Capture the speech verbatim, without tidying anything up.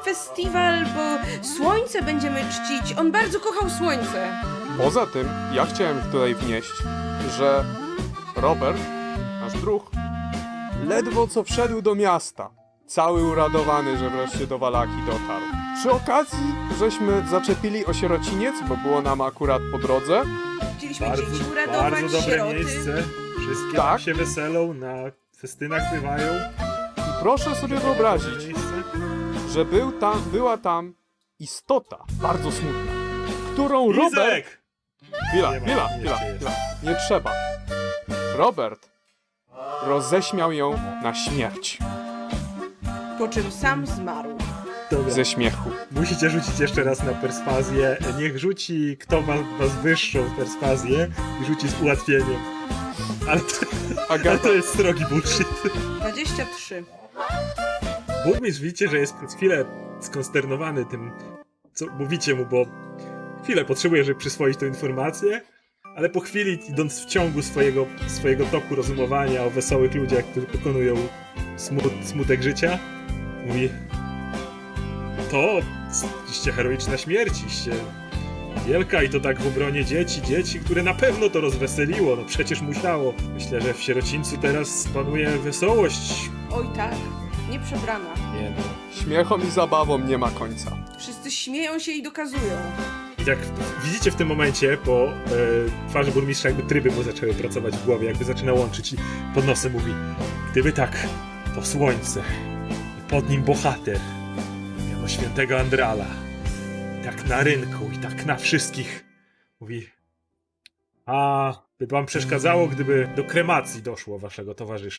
festiwal, bo słońce będziemy czcić. On bardzo kochał słońce. Poza tym, ja chciałem tutaj wnieść, że Robert, nasz druh, ledwo co wszedł do miasta, cały uradowany, że wreszcie do Walaki dotarł. Przy okazji, żeśmy zaczepili osierociniec, bo było nam akurat po drodze. Chcieliśmy Bardzo, dzieci uradować, bardzo dobre sieroty. miejsce. Wszystkie Tak. tam się weselą, na festynach bywają. I proszę sobie wyobrazić, Miejsce. że był tam, była tam istota bardzo smutna, którą Robert... Izek! Chwila, Nie ma, chwila, nie chwila, jest. chwila. Nie trzeba. Robert roześmiał ją na śmierć Po czym sam zmarł. Dobra. ze śmiechu. Musicie rzucić jeszcze raz na perswazję. Niech rzuci kto ma was wyższą perswazję i rzuci z ułatwieniem. Ale to, ale Agata, to jest srogi bullshit. dwadzieścia trzy. Burmistrz widzicie, że jest przez chwilę skonsternowany tym, co mówicie mu, bo chwilę potrzebuje, żeby przyswoić tę informację, ale po chwili, idąc w ciągu swojego, swojego toku rozumowania o wesołych ludziach, którzy pokonują smut, smutek życia, mówi: to iście heroiczna śmierć, iście wielka i to tak w obronie dzieci, dzieci, które na pewno to rozweseliło, no przecież musiało. Myślę, że w sierocińcu teraz panuje wesołość. Oj tak, nie przebrana. Nie no. śmiechom i zabawom nie ma końca. Wszyscy śmieją się i dokazują. I jak widzicie w tym momencie, po e, twarzy burmistrza jakby tryby mu zaczęły pracować w głowie, jakby zaczyna łączyć i pod nosem mówi: gdyby tak, to słońce i pod nim bohater, miano świętego Andrala, i tak na rynku i tak na wszystkich. Mówi: a by wam przeszkadzało, gdyby do kremacji doszło waszego towarzysza.